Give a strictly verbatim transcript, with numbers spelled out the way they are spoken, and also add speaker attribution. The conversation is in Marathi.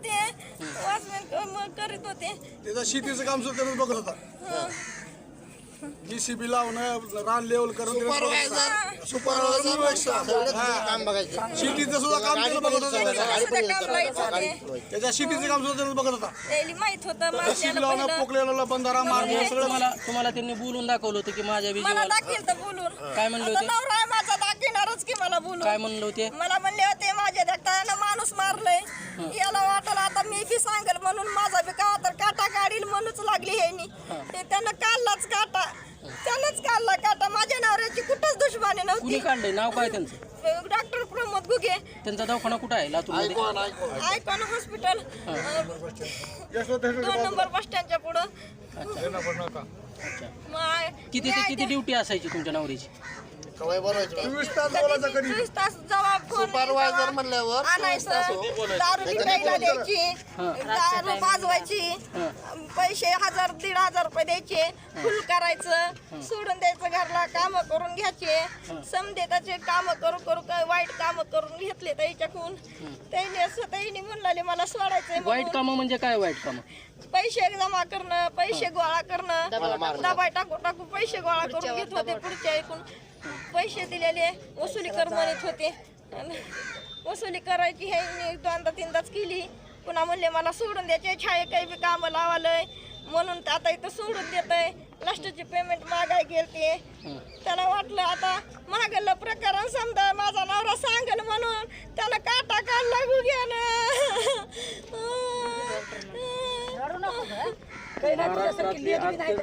Speaker 1: होते, वॉचमॅन करीत होते.
Speaker 2: त्याचं शेतीचं काम सुद्धा त्यानं बघत होता. जीसीबी लावणं, रान लेवल करून सुपरवायझर
Speaker 3: काम बघायचं
Speaker 2: शेतीचं सुद्धा काम त्यानं बघत होता.
Speaker 1: सुद्धा काम लाईत होते.
Speaker 2: त्याच्या शेतीचं काम सुद्धा त्यानं बघत होता.
Speaker 1: त्याला माहित होतं
Speaker 2: शेती
Speaker 1: माझ्याला
Speaker 2: लावणं,
Speaker 1: पहिलं.
Speaker 2: पोकलेला बंधारा मारणं सगळं
Speaker 4: तुम्हाला तुम्हाला त्यांनी बोलून दाखवलं होतं की माझ्या
Speaker 1: मला
Speaker 4: विजयाला
Speaker 1: दाखील तर बोलून.
Speaker 4: काय म्हणले
Speaker 1: आता
Speaker 4: होते?
Speaker 1: नवरा आहे माझा दाखिणारच की मला बोलून.
Speaker 4: काय म्हणलं होते?
Speaker 1: मला म्हणले होते माझ्या देखताना माणूस मारलंय, याला वाटलं आता मी बी सांगेल म्हणून माझा बी का तर काटा काढील म्हणूनच लागली ह्यानी. ते त्यानं काढलाच काटा, त्यानंच काढला काटा. माझ्या नवऱ्याची कुठंच दुश्मनी
Speaker 4: कुणी
Speaker 1: नव्हती.
Speaker 4: काढलंय? नाव काय त्यांचं?
Speaker 1: डॉक्टर प्रमोद गुगे,
Speaker 4: त्यांचा दवाखाना कुठं आहे लातूरमध्ये?
Speaker 1: आयकॉन हॉस्पिटल, दोन नंबर बस स्टँडच्या पुढं.
Speaker 4: अच्छा.
Speaker 1: मग
Speaker 4: किती ते किती ड्युटी असायची तुमच्या नवरीची?
Speaker 3: कवाय बोलायचं
Speaker 2: चोवीस तास बोलायचं कधी.
Speaker 1: चोवीस तास जेव्हा फोन
Speaker 3: सुपरवायझर म्हणल्यावर
Speaker 1: आणायचं, दारू बी प्यायला द्यायची, दारू वाजवायची, पैसे हजार दीड हजार रुपये द्यायचे, फुल करायचं, सोडून द्यायचं घरला, काम करून घ्यायचे. समजे त्याचे काम करू करू काय वाईट काम करून घेतले त्याच्याकडून. त्याने असं त्याने म्हणले मला सोडायचंय
Speaker 4: वाईट
Speaker 1: म्हणून.
Speaker 4: कामं म्हणजे काय वाईट कामं?
Speaker 1: पैसे जमा करणं, पैसे गोळा करणं, दबाय टाकू टाकू पैसे गोळा करून घेत होते. पुढच्या ऐकून पैसे दिलेले वसुली कर म्हणत होते. आणि वसुली करायची हे दोनदा तीनदाच केली. पुन्हा म्हणले मला सोडून द्यायचे, छाये काही बी कामं लावालंय म्हणून आता इथं सोडून देत आहे. लास्टची पेमेंट मागाय गेलते. त्याला वाटलं आता मागलं प्रकरण समजा माझा नवरा सांगेल म्हणून त्याला काटा काढला गुग्यानं.
Speaker 4: महाराष्ट्रातली